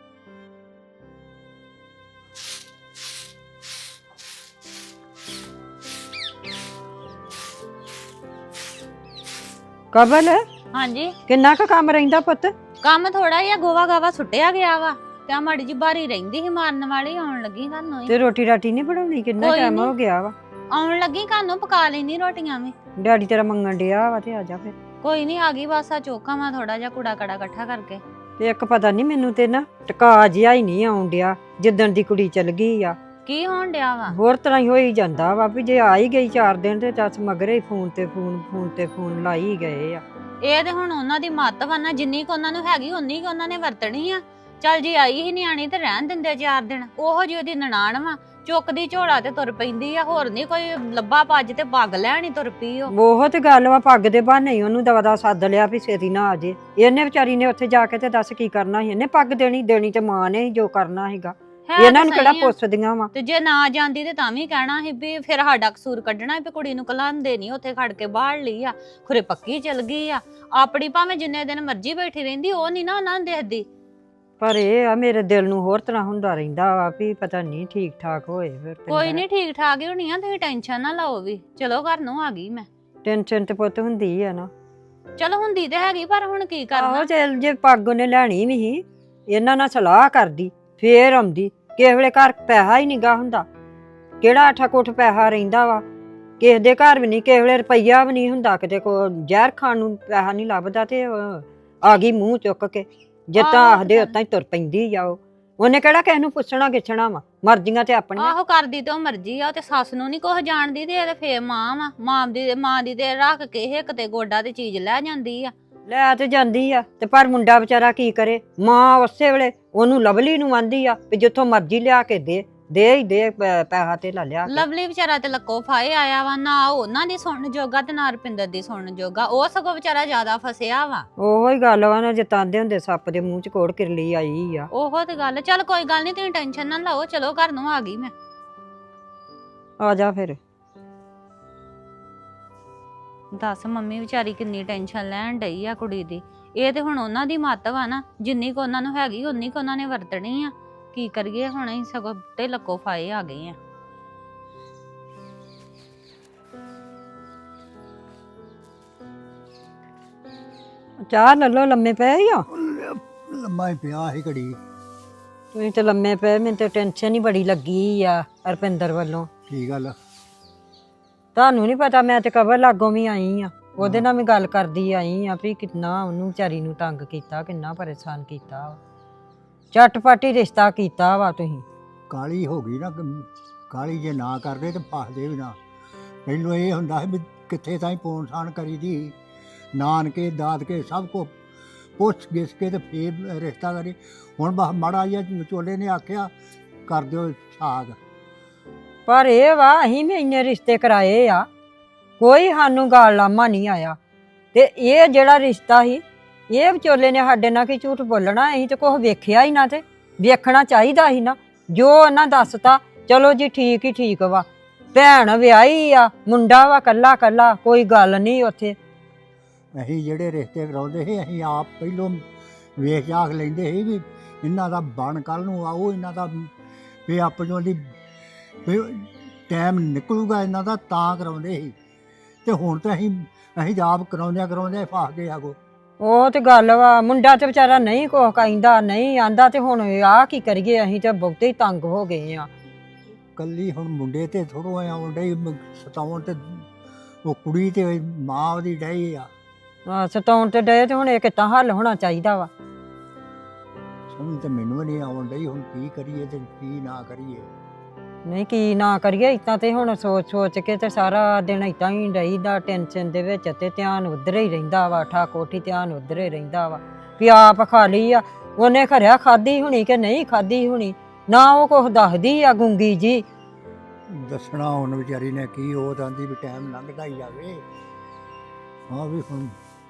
[SPEAKER 8] ਕਬਲ
[SPEAKER 7] ਹਾਂਜੀ
[SPEAKER 8] ਕਿੰਨਾ ਕੁ ਕੰਮ ਰਹਿੰਦਾ ਪੁੱਤ?
[SPEAKER 7] ਕੰਮ ਥੋੜਾ ਜਿਹਾ ਗੋਵਾ ਗਾਵਾ ਸੁੱਟਿਆ ਗਿਆ ਵਾ, ਤੇ ਆ ਮਾੜੀ ਜੀ ਬਾਰੀ ਰਹਿੰਦੀ ਸੀ ਮਾਰਨ ਵਾਲੀ, ਆਉਣ ਲੱਗੀ ਘਰੋਂ ਹੀ।
[SPEAKER 8] ਤੇ ਰੋਟੀ ਰਾਟੀ ਨਹੀਂ ਬਣਾਉਣੀ? ਕਿੰਨਾ
[SPEAKER 7] ਕੋਈ
[SPEAKER 8] ਟਾਈਮ
[SPEAKER 7] ਨੀ।
[SPEAKER 8] ਹੋ ਗਿਆ ਵਾ।
[SPEAKER 7] ਆਉਣ ਲੱਗੀ ਘਰੋਂ, ਪਕਾ ਲੈਣੀ ਰੋਟੀਆਂ ਵੀ।
[SPEAKER 8] ਡੈਡੀ ਤੇਰਾ ਮੰਗਣ ਡਿਆ ਵਾ ਤੇ ਆ ਜਾ ਫਿਰ।
[SPEAKER 7] ਕੋਈ ਨਹੀਂ, ਆ ਗਈ ਬਸ। ਆ ਚੋਕਾ ਵਾ ਥੋੜਾ ਜਿਹਾ ਕੂੜਾ ਕੜਾ ਇਕੱਠਾ ਕਰਕੇ।
[SPEAKER 8] ਤੇ ਇੱਕ ਪਤਾ ਨਹੀਂ ਮੈਨੂੰ ਤੇ ਨਾ ਟਕਾ ਜਿਹਾ ਹੀ ਨਹੀਂ ਆਉਣ ਡਿਆ ਜਿੱਦਣ ਦੀ ਕੁੜੀ ਚਲ ਗਈ ਆ।
[SPEAKER 7] ਕੀ ਹੋਣ ਡਿਆ ਵਾ?
[SPEAKER 8] ਹੋਰ ਤਰ੍ਹਾਂ ਹੀ ਹੋਈ ਜਾਂਦਾ ਵਾ ਵੀ ਜੇ ਆ ਹੀ ਗਈ ਚਾਰ ਦਿਨ ਤੇ ਦੱਸ ਮਗਰੇ ਹੀ ਫੋਨ ਤੇ ਫੋਨ ਫੋਨ ਤੇ ਫੋਨ ਲਾਈ ਹੀ ਗਏ ਆ।
[SPEAKER 7] ਇਹ ਤੇ ਹੁਣ ਉਹਨਾਂ ਦੀ ਮੱਤ ਵਾ ਨਾ, ਜਿੰਨੀ ਕੁ ਉਹਨਾਂ ਨੂੰ ਹੈਗੀ ਉਨੀ ਕੁ ਉਹਨਾਂ ਨੇ ਵਰਤਣੀ ਆ। ਚੱਲ ਜੀ ਆਈ ਹੀ ਨਿਆਣੀ ਤੇ ਰਹਿਣ ਦਿੰਦੇ ਚਾਰ ਦਿਨ। ਉਹੋ ਜਿਹੀ ਉਹਦੀ ਨਨਾਣ ਵਾ, ਚੁੱਕਦੀ ਝੋਲਾ ਤੇ ਤੁਰ ਪੈਂਦੀ ਆ। ਹੋਰ ਨਹੀਂ ਕੋਈ ਲੱਭਾ ਭੱਜ ਤੇ ਪੱਗ ਲੈਣੀ ਤੁਰ ਪਈ ਉਹ।
[SPEAKER 8] ਉਹ ਤੇ ਗੱਲ ਵਾ, ਪੱਗ ਦੇ ਬਹਾਨੇ ਹੀ ਉਹਨੂੰ ਦਵਾ ਦਾ ਸੱਦ ਲਿਆ ਵੀ ਛੇਤੀ ਨਾ ਆ ਜੇ। ਇਹਨੇ ਵਿਚਾਰੀ ਨੇ ਉੱਥੇ ਜਾ ਕੇ ਤੇ ਦੱਸ ਕੀ ਕਰਨਾ ਸੀ? ਇਹਨੇ ਪੱਗ ਦੇਣੀ ਦੇਣੀ ਤੇ ਮਾਂ ਨੇ ਹੀ ਜੋ ਕਰਨਾ ਸੀਗਾ।
[SPEAKER 7] ਹੈ
[SPEAKER 8] ਇਹਨਾਂ ਨੂੰ
[SPEAKER 7] ਤਾਂ
[SPEAKER 8] ਕਿਹੜਾ
[SPEAKER 7] ਸਹੀ ਆ।
[SPEAKER 8] ਪੁੱਛਦੀਆਂ ਵਾ?
[SPEAKER 7] ਤੇ ਜੇ ਨਾ ਜਾਂਦੀ ਤੇ ਤਾਂ ਵੀ ਕਹਿਣਾ ਸੀ ਵੀ ਫਿਰ ਸਾਡਾ ਕਸੂਰ ਕੱਢਣਾ ਵੀ ਕੁੜੀ ਨੂੰ ਕਲਾਂਦੇ ਨਹੀਂ, ਉੱਥੇ ਖੜ ਕੇ ਬਾਹਰ ਲਈ ਆ, ਖੁਰੇ ਪੱਕੀ ਚਲ ਗਈ ਆ। ਆਪਣੀ ਭਾਵੇਂ ਜਿੰਨੇ ਦਿਨ ਮਰਜ਼ੀ ਬੈਠੀ ਰਹਿੰਦੀ, ਉਹ ਨਹੀਂ ਨਾ ਉਹਨਾਂ ਨੂੰ ਦੇਖਦੀ।
[SPEAKER 8] ਪਰ ਇਹ ਆ ਮੇਰੇ ਦਿਲ ਨੂੰ ਹੋਰ ਤਰ੍ਹਾਂ ਹੁੰਦਾ ਰਹਿੰਦਾ ਵਾ ਵੀ ਪਤਾ ਨਹੀਂ ਠੀਕ ਠਾਕ ਹੋਏ ਫਿਰ।
[SPEAKER 7] ਕੋਈ ਨਹੀਂ, ਠੀਕ ਠਾਕ ਹੀ ਹੋਣੀ ਆ, ਤੁਸੀਂ ਟੈਨਸ਼ਨ ਨਾ ਲਓ ਵੀ। ਚਲੋ ਘਰ ਨੂੰ ਆ ਗਈ ਮੈਂ।
[SPEAKER 8] ਟੈਨਸ਼ਨ ਤੇ ਪੁੱਤ ਹੁੰਦੀ ਆ ਨਾ।
[SPEAKER 7] ਚਲੋ ਹੁੰਦੀ ਤੇ ਹੈਗੀ, ਪਰ ਹੁਣ ਕੀ ਕਰਨਾ।
[SPEAKER 8] ਆਹੋ ਚੱਲ ਜੇ ਪੱਗ ਉਹਨੇ ਲੈਣੀ ਵੀ ਸੀ, ਇਹਨਾਂ ਨਾਲ ਸਲਾਹ ਕਰਦੀ ਫੇਰ ਆਉਂਦੀ। ਕਿਸੇ ਵੇਲੇ ਘਰ ਪੈਸਾ ਹੀ ਨਿਗਾ ਹੁੰਦਾ, ਕਿਹੜਾ ਅੱਠਾ ਕੁੱਠ ਪੈਸਾ ਰਹਿੰਦਾ ਵਾ ਕਿਸੇ ਦੇ ਘਰ ਵੀ ਨਹੀਂ। ਕਿਸੇ ਵੇਲੇ ਰੁਪਈਆ ਵੀ ਨਹੀਂ ਹੁੰਦਾ, ਕਿਤੇ ਕੋ ਜ਼ਹਿਰ ਖਾਣ ਨੂੰ ਪੈਸਾ ਨਹੀਂ ਲੱਭਦਾ ਤੇ ਉਹ ਆ ਗਈ ਮੂੰਹ ਚੁੱਕ ਕੇ। ਜਿੱਦਾਂ
[SPEAKER 7] ਆਹੋ
[SPEAKER 8] ਆਖਦੇ ਉਤਾਂ ਹੀ ਤੁਰ ਪੈਂਦੀ ਆ ਉਹ। ਉਹਨੇ ਕਿਹੜਾ ਕਿਸੇ ਨੂੰ ਪੁੱਛਣਾ ਗਿੱਛਣਾ ਵਾ, ਮਰਜ਼ੀਆਂ ਤੇ ਆਪਣੀਆਂ।
[SPEAKER 7] ਆਹੋ ਕਰਦੀ ਤੇ ਉਹ ਮਰਜ਼ੀ ਆ, ਉਹ ਤੇ ਸੱਸ ਨੂੰ ਨਹੀਂ ਕੁਝ ਜਾਣਦੀ ਤੇ ਇਹ ਤੇ ਫੇਰ ਮਾਂ ਵਾ। ਮਾਂ ਦੀ ਮਾਂ ਦੀ ਤੇ ਰੱਖ ਕੇ ਇਹ ਕਿਤੇ ਗੋਡਾ ਤੇ ਚੀਜ਼ ਲੈ ਜਾਂਦੀ ਆ।
[SPEAKER 8] ਲੈ ਤੇ ਜਾਂਦੀ ਆ ਤੇ ਪਰ ਮੁੰਡਾ ਵਿਚਾਰਾ ਕੀ ਕਰੇ? ਮਾਂ ਉਸੇ ਵੇਲੇ ਉਹਨੂੰ ਲਵਲੀ ਨੂੰ ਆਂਦੀ ਆ ਵੀ ਜਿੱਥੋਂ ਮਰਜ਼ੀ ਲਿਆ ਕੇ ਦੇ ਦੇ ਹੀ ਦੇ ਪੈਸਾ ਤੇ ਲਾ ਲਿਆ ਕੇ।
[SPEAKER 7] ਲਵਲੀ ਵਿਚਾਰਾ ਤੇ ਲੱਕੋ ਫਾਏ ਆਇਆ ਵਾ, ਨਾ ਉਹਨਾਂ ਦੀ ਸੁਣਨ ਜੋਗਾ ਤੇ ਨਾ ਰੁਪਿੰਦਰ ਦੀ ਸੁਣਨ ਜੋਗਾ। ਉਹ ਸਗੋਂ ਵਿਚਾਰਾ ਜ਼ਿਆਦਾ ਫਸਿਆ ਵਾ।
[SPEAKER 8] ਉਹੋ ਹੀ ਗੱਲ ਵਾ ਨਾ, ਜਿਤਾਂਦੇ ਹੁੰਦੇ ਸੱਪ ਦੇ ਮੂੰਹ ਚ ਕੋੜ ਕਿਰਲੀ ਆਈ ਆ।
[SPEAKER 7] ਉਹੋ ਤੇ ਗੱਲ। ਚੱਲ ਕੋਈ ਗੱਲ ਨਹੀਂ, ਤੁਸੀਂ ਟੈਨਸ਼ਨ ਨਾ ਲਓ। ਚਲੋ ਘਰ ਨੂੰ ਆ ਗਈ ਮੈਂ।
[SPEAKER 8] ਆ ਜਾ ਫਿਰ।
[SPEAKER 7] ਦੱਸ ਮੰਮੀ ਵਿਚਾਰੀ ਕਿੰਨੀ ਟੈਨਸ਼ਨ ਲੈਣ ਡਈ ਆ ਕੁੜੀ ਦੀ। ਇਹ ਤੇ ਹੁਣ ਉਹਨਾਂ ਦੀ ਮੱਤ ਵਾ ਨਾ, ਜਿੰਨੀ ਕੁ ਉਹਨਾਂ ਨੂੰ ਹੈਗੀ ਉਨੀ ਕੁ ਉਹਨਾਂ ਨੇ ਵਰਤਣੀ ਆ। ਕੀ ਕਰੀਏ ਹੁਣ? ਅਸੀਂ ਸਗੋਂ ਤੇ ਲੱਕੋ ਫਾਏ ਆ ਗਏ ਆ।
[SPEAKER 8] ਚਾਹ ਲੈ ਲਓ, ਲੰਮੇ ਪਏ ਹੀ ਆ।
[SPEAKER 9] ਲੰਮਾ ਹੀ ਪਿਆ ਸੀ ਘੜੀ।
[SPEAKER 8] ਤੁਸੀਂ ਤੇ ਲੰਮੇ ਪਏ, ਮੈਨੂੰ ਤੇ ਟੈਨਸ਼ਨ ਹੀ ਬੜੀ ਲੱਗੀ ਆ ਰੁਪਿੰਦਰ ਵੱਲੋਂ।
[SPEAKER 9] ਕੀ ਗੱਲ?
[SPEAKER 8] ਤੁਹਾਨੂੰ ਨਹੀਂ ਪਤਾ, ਮੈਂ ਤੇ ਕਬਰ ਲਾਗੋਂ ਵੀ ਆਈ ਆ, ਉਹਦੇ ਨਾਲ ਵੀ ਗੱਲ ਕਰਦੀ ਆਈ ਆ ਵੀ ਕਿੰਨਾ ਉਹਨੂੰ ਵਿਚਾਰੀ ਨੂੰ ਤੰਗ ਕੀਤਾ, ਕਿੰਨਾ ਪਰੇਸ਼ਾਨ ਕੀਤਾ ਵਾ। ਝਟਪਟ ਹੀ ਰਿਸ਼ਤਾ ਕੀਤਾ ਵਾ ਤੁਸੀਂ।
[SPEAKER 9] ਕਾਲੀ ਹੋ ਗਈ ਨਾ, ਕਾਲੀ ਜੇ ਨਾ ਕਰਦੇ ਤੇ ਫਸਦੇ ਵੀ ਨਾ। ਪਹਿਲੋਂ ਇਹ ਹੁੰਦਾ ਸੀ ਵੀ ਕਿੱਥੇ ਤਾਈਂ ਪੋਣ ਸਾਣ ਕਰੀ ਦੀ, ਨਾਨਕੇ ਦਾਦਕੇ ਸਭ ਕੋ ਪੁੱਛ ਗਿੱਛ ਕੇ ਤੇ ਫੇਰ ਰਿਸ਼ਤਾ ਕਰੇ। ਹੁਣ ਬਸ ਮਾੜਾ ਜਿਹਾ ਵਿਚੋਲੇ ਨੇ ਆਖਿਆ ਕਰ ਦਿਓ ਸਾਗ।
[SPEAKER 8] ਪਰ ਇਹ ਵਾ ਅਸੀਂ ਵੀ ਇੰਨੇ ਰਿਸ਼ਤੇ ਕਰਾਏ ਆ, ਕੋਈ ਸਾਨੂੰ ਗਾਲ ਲਾਮਾ ਨਹੀਂ ਆਇਆ। ਤੇ ਇਹ ਜਿਹੜਾ ਰਿਸ਼ਤਾ ਸੀ, ਇਹ ਵਿਚੋਲੇ ਨੇ ਸਾਡੇ ਨਾਲ ਕੀ ਝੂਠ ਬੋਲਣਾ? ਅਸੀਂ ਤੇ ਕੁਛ ਵੇਖਿਆ ਹੀ ਨਾ, ਤੇ ਵੇਖਣਾ ਚਾਹੀਦਾ ਸੀ ਨਾ। ਜੋ ਉਹਨਾਂ ਦੱਸਤਾ ਚਲੋ ਜੀ ਠੀਕ ਹੀ ਠੀਕ ਵਾ। ਭੈਣ ਵਿਆਹੀ ਆ, ਮੁੰਡਾ ਵਾ ਕੱਲਾ ਕੱਲਾ, ਕੋਈ ਗੱਲ ਨਹੀਂ ਉੱਥੇ।
[SPEAKER 9] ਅਸੀਂ ਜਿਹੜੇ ਰਿਸ਼ਤੇ ਕਰਾਉਂਦੇ ਸੀ ਅਸੀਂ ਆਪ ਪਹਿਲੋਂ ਵੇਖ ਜਾਖ ਲੈਂਦੇ ਸੀ ਵੀ ਇਹਨਾਂ ਦਾ ਬਣ ਕੱਲ ਨੂੰ ਆਓ, ਇਹਨਾਂ ਦਾ ਵੀ ਆਪਣੋਂ ਦੀ ਵੀ ਟਾਈਮ ਨਿਕਲੂਗਾ ਇਹਨਾਂ ਦਾ, ਤਾਂ ਕਰਾਉਂਦੇ ਸੀ। ਤੇ ਹੁਣ ਤਾਂ ਅਸੀਂ ਅਸੀਂ ਆਪ ਕਰਾਉਂਦਿਆਂ ਕਰਾਉਂਦਿਆਂ ਫਸ ਗਏ ਆਗੋ।
[SPEAKER 8] ਉਹ ਤੇ ਗੱਲ ਵਾ, ਮੁੰਡਾ ਤੇ ਵਿਚਾਰਾ ਨਹੀਂ ਕੁਛ ਕਹਿੰਦਾ, ਨਹੀਂ ਆਂਦਾ, ਤੇ ਹੁਣ ਆਹ ਕੀ ਕਰੀਏ? ਅਸੀਂ ਤੇ ਬਹੁਤੇ ਹੀ ਤੰਗ ਹੋ ਗਏ ਆ।
[SPEAKER 9] ਕੱਲੀ ਹੁਣ ਮੁੰਡੇ ਤੇ ਥੋੜੋ ਆਉਣ ਡਈ ਸਤਾਉਣ, ਤੇ ਉਹ ਕੁੜੀ ਤੇ ਮਾਂ ਉਹਦੀ ਡਈ ਆ
[SPEAKER 8] ਆ ਸਤਾਉਣ ਤੇ ਡਏ, ਤੇ ਹੁਣ ਇਹ ਕਿੱਦਾਂ ਹੱਲ ਹੋਣਾ ਚਾਹੀਦਾ ਵਾ?
[SPEAKER 9] ਸਮਝ ਤੇ ਮੈਨੂੰ ਨਹੀਂ ਆਉਣ ਡਈ, ਹੁਣ ਕੀ ਕਰੀਏ ਤੇ ਕੀ ਨਾ ਕਰੀਏ।
[SPEAKER 8] ਨਹੀਂ ਕੀ ਨਾ ਕਰੀਏ, ਇਤਾਂ ਤੇ ਹੁਣ ਸੋਚ ਸੋਚ ਕੇ ਤੇ ਸਾਰਾ ਦਿਨ ਇਤਾਂ ਹੀ ਰਹੀਦਾ ਟੈਨਸ਼ਨ ਦੇ ਵਿੱਚ, ਤੇ ਧਿਆਨ ਉਧਰ ਹੀ ਰਹਿੰਦਾ ਵਾ, ਠਾ ਕੋਠੀ ਧਿਆਨ ਉਧਰ ਹੀ ਰਹਿੰਦਾ ਵਾ ਵੀ ਆਪ ਖਾ ਲਈ ਆ। ਉਹਨੇ ਖਰਿਆ ਖਾਧੀ ਹੋਣੀ ਕਿ ਨਹੀਂ ਖਾਧੀ ਹੋਣੀ, ਨਾ ਉਹ ਕੁਛ ਦੱਸਦੀ ਆ ਗੁੰਗੀ ਜੀ।
[SPEAKER 9] ਦੱਸਣਾ ਹੁਣ ਵਿਚਾਰੀ ਨੇ ਕੀ, ਉਹ ਤਾਂ ਆਂਦੀ ਵੀ ਟਾਈਮ ਲੰਘਦਾ ਹੀ ਜਾਵੇ। ਹਾਂ ਵੀ ਹੁਣ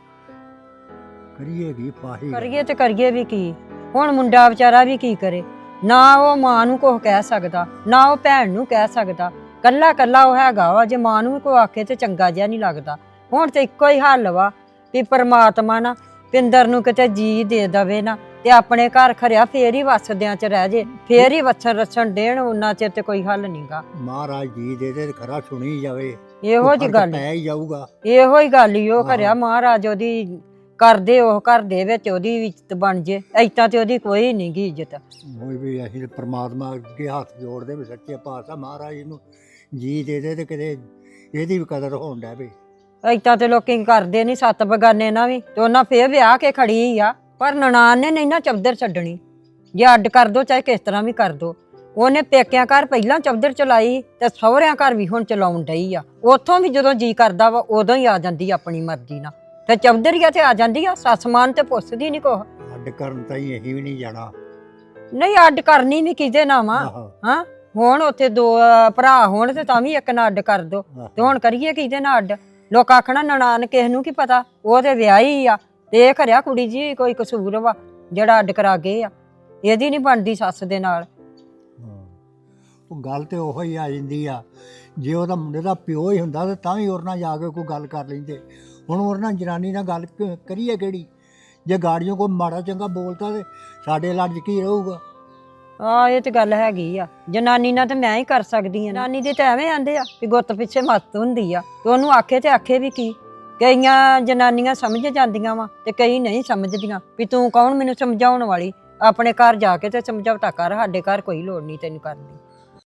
[SPEAKER 9] ਕਰੀਏ ਕੀ ਫਾਹੀ
[SPEAKER 8] ਕਰੀਏ ਤੇ ਕਰੀਏ ਵੀ ਕੀ। ਹੁਣ ਮੁੰਡਾ ਵਿਚਾਰਾ ਵੀ ਕੀ ਕਰੇ, ਨਾ ਉਹ ਮਾਂ ਨੂੰ ਕੁਝ ਕਹਿ ਸਕਦਾ, ਨਾ ਉਹ ਭੈਣ ਨੂੰ ਕਹਿ ਸਕਦਾ, ਕੱਲਾ ਕੱਲਾ ਉਹ ਹੈਗਾ ਵਾ। ਜੇ ਮਾਂ ਨੂੰ ਵੀ ਕੋਈ ਆਖੇ ਤੇ ਚੰਗਾ ਜਿਹਾ ਨਹੀਂ ਲੱਗਦਾ। ਹੁਣ ਤੇ ਇੱਕੋ ਹੀ ਹੱਲ ਵਾ ਵੀ ਪਰਮਾਤਮਾ ਨਾ ਪਿੰਦਰ ਨੂੰ ਕਿਤੇ ਜੀ ਦੇ ਦਵੇ ਨਾ, ਤੇ ਆਪਣੇ ਘਰ ਖਰਿਆ ਫੇਰ ਹੀ ਵਸਦਿਆਂ ਚ ਰਹਿ ਜੇ, ਫੇਰ ਹੀ ਵਸਣ ਰਸਣ ਦੇਣ। ਉਹਨਾਂ ਚਿਰ ਤੇ ਕੋਈ ਹੱਲ ਨਹੀਂਗਾ।
[SPEAKER 9] ਮਹਾਰਾਜ ਜੀ ਦੇ ਦੇ ਖਰਾ ਸੁਣੀ ਜਾਵੇ,
[SPEAKER 8] ਇਹੋ ਜੀ
[SPEAKER 9] ਫਰਕ
[SPEAKER 8] ਗੱਲ
[SPEAKER 9] ਪੈ ਹੀ ਜਾਊਗਾ।
[SPEAKER 8] ਇਹੋ ਹੀ ਗੱਲ ਹੀ ਉਹ
[SPEAKER 9] ਹਾਂ।
[SPEAKER 8] ਖਰਿਆ ਮਹਾਰਾਜ ਉਹਦੀ ਕਰਦੇ, ਉਹ ਘਰ ਦੇ ਵਿੱਚ ਉਹਦੀ ਇੱਜ਼ਤ ਬਣ ਜੇ। ਏਦਾਂ ਤੇ ਉਹਦੀ ਕੋਈ ਨਹੀਂ ਗੀ ਇੱਜ਼ਤ।
[SPEAKER 9] ਹੋਈ ਵੀ ਅਸੀਂ ਪਰਮਾਤਮਾ ਅੱਗੇ ਹੱਥ ਜੋੜਦੇ ਵੀ ਸੱਚੇ ਪਾਤਸ਼ਾਹ ਮਹਾਰਾਜ ਨੂੰ ਜੀ ਦੇ ਦੇ ਤੇ ਕਿਤੇ ਇਹਦੀ ਵੀ ਕਦਰ ਹੋਣ ਡੈ ਪਈ।
[SPEAKER 8] ਏਦਾਂ ਤੇ ਲੋਕੀ ਕਰਦੇ ਨਹੀਂ, ਸੱਤ ਬਗਾਨੇ ਨਾ ਵੀ ਤੇ ਉਹਨਾਂ ਫੇਰ ਵਿਆਹ ਕੇ ਖੜੀ ਆ। ਪਰ ਨਨਾਣ ਨੇ ਨਹੀਂ ਨਾ ਚੌਧਰ ਛੱਡਣੀ। ਜੇ ਅੱਡ ਕਰ ਦੋ ਚਾਹੇ ਕਿਸ ਤਰ੍ਹਾਂ ਵੀ ਕਰ ਦੋ। ਉਹਨੇ ਪੇਕਿਆਂ ਘਰ ਪਹਿਲਾਂ ਚੌਧਰ ਚਲਾਈ ਤੇ ਸਹੁਰਿਆਂ ਘਰ ਵੀ ਹੁਣ ਚਲਾਉਣ ਡਈ ਆ। ਉੱਥੋਂ ਵੀ ਜਦੋਂ ਜੀ ਕਰਦਾ ਵਾ ਉਦੋਂ ਹੀ ਆ ਜਾਂਦੀ ਆਪਣੀ ਮਰਜ਼ੀ ਨਾਲ, ਤੇ ਚੌਧਰੀਆ ਤੇ ਆ ਜਾਂਦੀ ਆ। ਸੱਸ ਮਾਨ ਤੇ ਪੁੱਛਦੀ ਨਹੀਂ ਕੁਛ।
[SPEAKER 9] ਅੱਡ ਕਰਨ ਤਾਂ ਹੀ ਅਸੀਂ ਵੀ ਨਹੀਂ ਜਾਣਾ।
[SPEAKER 8] ਨਹੀਂ ਅੱਡ ਕਰਨੀ ਵੀ ਕਿਹਦੇ ਨਾਲ ਵਾ।
[SPEAKER 9] ਆਹੋ,
[SPEAKER 8] ਹਾਂ ਹੁਣ ਉੱਥੇ ਦੋ ਅਹ, ਭਰਾ ਹੋਣ ਤੇ ਤਾਂ ਵੀ ਇੱਕ ਨਾਲ ਅੱਡ ਕਰ ਦੋ। ਤੇ
[SPEAKER 9] ਆਹੋ।
[SPEAKER 8] ਹੁਣ ਕਰੀਏ ਕਿਹਦੇ ਨਾਲ ਅੱਡ? ਲੋਕ ਆਖਣਾ ਨਨਾਣ ਕਿਸ ਨੂੰ ਕੀ ਪਤਾ, ਉਹ ਤੇ ਵਿਆਹੀ ਆ। ਤੇ ਇਹ ਖਰਿਆ ਕੁੜੀ ਜੀ ਕੋਈ ਕਸੂਰ ਵਾ ਜਿਹੜਾ ਅੱਡ ਕਰਾ ਗਏ ਆ। ਇਹਦੀ ਨਹੀਂ ਬਣਦੀ ਸੱਸ ਦੇ ਨਾਲ।
[SPEAKER 9] ਹਾਂ। ਉਹ ਗੱਲ ਤੇ ਉਹੋ ਹੀ ਆ ਜਾਂਦੀ ਆ। ਜੇ ਉਹਦਾ ਮੁੰਡੇ ਦਾ ਪਿਓ ਹੀ ਹੁੰਦਾ ਤਾਂ ਤਾਂ ਵੀ ਉਹਦੇ ਨਾਲ ਜਾ ਕੇ ਕੋਈ ਗੱਲ ਕਰ ਲੈਂਦੇ। ਹੁਣ ਉਹਦੇ ਨਾਲ ਜਨਾਨੀ ਨਾਲ ਗੱਲ ਕ- ਕਰੀਏ ਕਿਹੜੀ? ਜੇ ਗਾੜੀਆਂ ਕੋਈ ਮਾੜਾ ਚੰਗਾ ਬੋਲਤਾ ਤੇ ਸਾਡੇ ਲੜ ਕੀ ਰਹੂਗਾ?
[SPEAKER 8] ਆ ਇਹ ਤੇ ਗੱਲ ਹੈਗੀ ਆ। ਜਨਾਨੀ ਨਾਲ ਤੇ ਮੈਂ ਹੀ ਕਰ ਸਕਦੀ ਆ। ਜਨਾਨੀ ਦੇ ਤਾਂ ਐਵੇਂ ਆਂਦੇ ਆ ਵੀ ਗੁੱਤ ਪਿੱਛੇ ਮੱਤ ਹੁੰਦੀ ਆ। ਤੇ ਉਹਨੂੰ ਆਖੇ ਤੇ ਆਖੇ ਵੀ ਕੀ। ਕਈਆਂ ਜਨਾਨੀਆਂ ਸਮਝ ਜਾਂਦੀਆਂ ਵਾ ਤੇ ਕਈ ਨਹੀਂ ਸਮਝਦੀਆਂ ਵੀ ਤੂੰ ਕੌਣ ਮੈਨੂੰ ਸਮਝਾਉਣ ਵਾਲੀ। ਆਪਣੇ ਘਰ ਜਾ ਕੇ ਤੇ ਸਮਝੌਤਾ ਕਰ, ਸਾਡੇ ਘਰ ਕੋਈ ਲੋੜ ਨਹੀਂ ਤੈਨੂੰ ਕਰਨ ਦੀ।